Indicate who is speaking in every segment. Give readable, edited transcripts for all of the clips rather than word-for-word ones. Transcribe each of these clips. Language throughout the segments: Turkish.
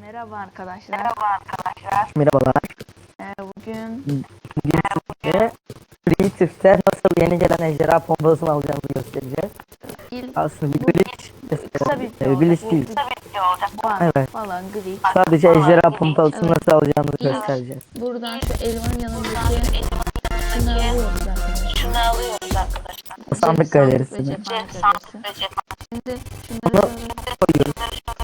Speaker 1: Merhaba arkadaşlar.
Speaker 2: Merhabalar.
Speaker 1: Bugün
Speaker 2: Size Creative'de nasıl yeni gelen ejderha pompasını alacağımızı göstereceğiz.
Speaker 1: ilk
Speaker 2: Aslında bir
Speaker 1: bu,
Speaker 2: glitch
Speaker 1: kısa bir video olacak.
Speaker 2: glitch değil.
Speaker 1: Bug
Speaker 2: Evet.
Speaker 1: falan glitch.
Speaker 2: Sadece ejderha pompasını
Speaker 1: Evet.
Speaker 2: nasıl alacağımızı
Speaker 1: İlk
Speaker 2: göstereceğiz.
Speaker 1: buradan şu elmanın yanındaki şunu alıyoruz arkadaşlar.
Speaker 2: Sandık
Speaker 1: Sandık ve
Speaker 2: galerisini
Speaker 1: cephane galerisi. Şimdi şunları
Speaker 2: bunu koyuyoruz.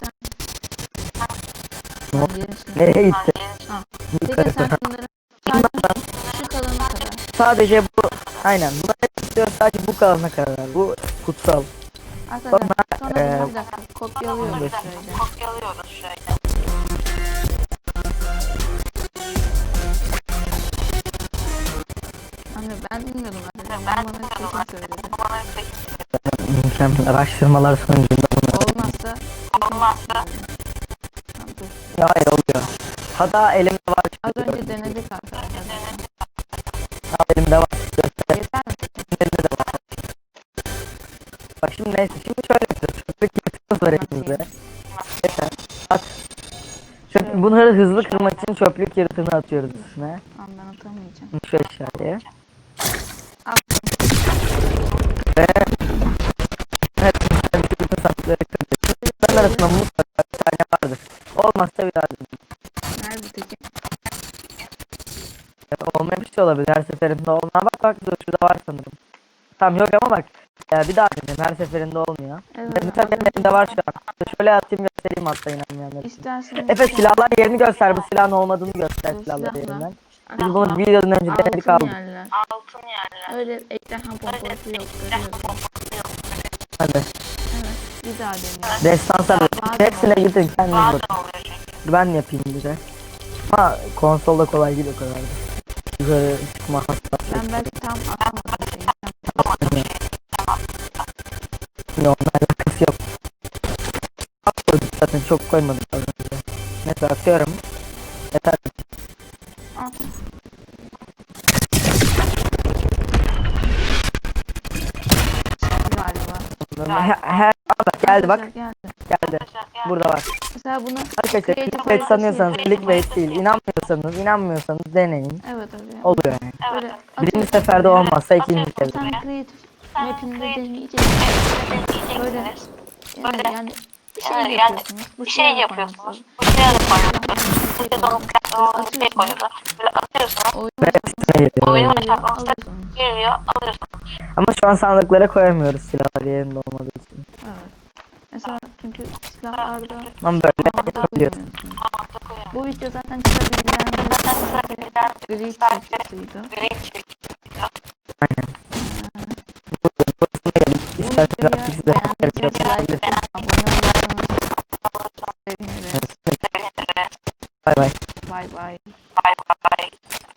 Speaker 2: Nereye gitti?
Speaker 1: Peki sen şunları şu kalana kadar.
Speaker 2: Sadece bu. Aynen. Buna ne istiyoruz? Sadece bu kalana kadar. Bu kutsal.
Speaker 1: Arkadaşlar sonra
Speaker 2: Sonra,
Speaker 1: bir dakika kopyalıyoruz şöyle. Hani ben bilmiyordum arkadaşlar. Ben bana kesin söyledi.
Speaker 2: mükemmel araştırmalar sonucunda bunu.
Speaker 1: Olmazsa tamam, dur.
Speaker 2: Hayır oluyor. Hatta elimde var.
Speaker 1: Az önce denedik arkadaşlar.
Speaker 2: Elimde var.
Speaker 1: Yeter mi?
Speaker 2: Elimde de var. Bak şimdi neyse. Şimdi şöyle yapıyoruz. Çöplük yırtığımız var elimizde. Yeter. At. Bunları hızlı kırmak için çöplük yırtığını atıyoruz üstüne.
Speaker 1: Tamam ben atamayacağım.
Speaker 2: Şu aşağıya.
Speaker 1: At.
Speaker 2: Ve hepsini bütün sapları kırıyoruz. Bunların arasında mutlaka bir tane vardır. Olmazsa bir daha dedim.
Speaker 1: Nerede peki?
Speaker 2: Olmayan bir şey olabilir. Her seferinde olmuyor. Bak dur şurada var sanırım. Tamam yok ama bak. Bir daha dedim. Her seferinde olmuyor.
Speaker 1: Evet.
Speaker 2: Mesela benim elimde var şu an. Şöyle atayım göstereyim hatta inanmayanlar için.
Speaker 1: İsterseniz
Speaker 2: Efe silahlar yerini göster. Bu silahın olmadığını göster
Speaker 1: Bu
Speaker 2: silahlar
Speaker 1: silahlar.
Speaker 2: yerinden. Biz bunu videodan önce denedik
Speaker 1: altın
Speaker 2: aldık.
Speaker 1: yerler. Öyle ejderha pompası yok. Görüyorum.
Speaker 2: Hadi.
Speaker 1: Evet. Bir daha deneyelim.
Speaker 2: Destansa hepsine gidin kendiniz bakın. Ben yapayım bir de. Ha konsolda kolay değil o kadar da. Yukarı çıkma hassas.
Speaker 1: Ben belki tam atamadım şeyi.
Speaker 2: Onunla alakası yok. Atmadık zaten çok koymadık az önce. Mesela atıyorum. Yeter.
Speaker 1: At. Galiba.
Speaker 2: Her geldi bak.
Speaker 1: Geldi.
Speaker 2: Geldi. Burada var.
Speaker 1: Mesela bunu
Speaker 2: Arkadaşlar
Speaker 1: creative
Speaker 2: clickbait
Speaker 1: haritası
Speaker 2: sanıyorsanız
Speaker 1: yapıyorsun.
Speaker 2: clickbait değil. İnanmıyorsanız deneyin.
Speaker 1: Evet öyle.
Speaker 2: Oluyor yani.
Speaker 1: Böyle
Speaker 2: Birinci
Speaker 1: atıyorsun.
Speaker 2: seferde olmazsa ikinci
Speaker 1: Sen
Speaker 2: seferde.
Speaker 1: creative map'inde deneyeceksin. Böyle yani bir şey yapıyorsunuz. Bu şey yapıyorsunuz. Böyle atıyorsunuz.
Speaker 2: Ve hepsine geliyor.
Speaker 1: Geliyor, alıyorsunuz.
Speaker 2: Ama şu an sandıklara koyamıyoruz silahlar yerinde olmadığı için.
Speaker 1: Evet. Mesela çünkü silahlarda
Speaker 2: Ama böyle
Speaker 1: havada
Speaker 2: yapabiliyorsun.
Speaker 1: koyamıyorsun. Bu video zaten çıkabilen gri videosuydu.
Speaker 2: Aynen. Burasına gelip
Speaker 1: Bu
Speaker 2: isterseniz
Speaker 1: videoya
Speaker 2: artık size
Speaker 1: beğendiyseniz like atıp abone olursanız seviniriz.
Speaker 2: Bay bay.
Speaker 1: Bye bye.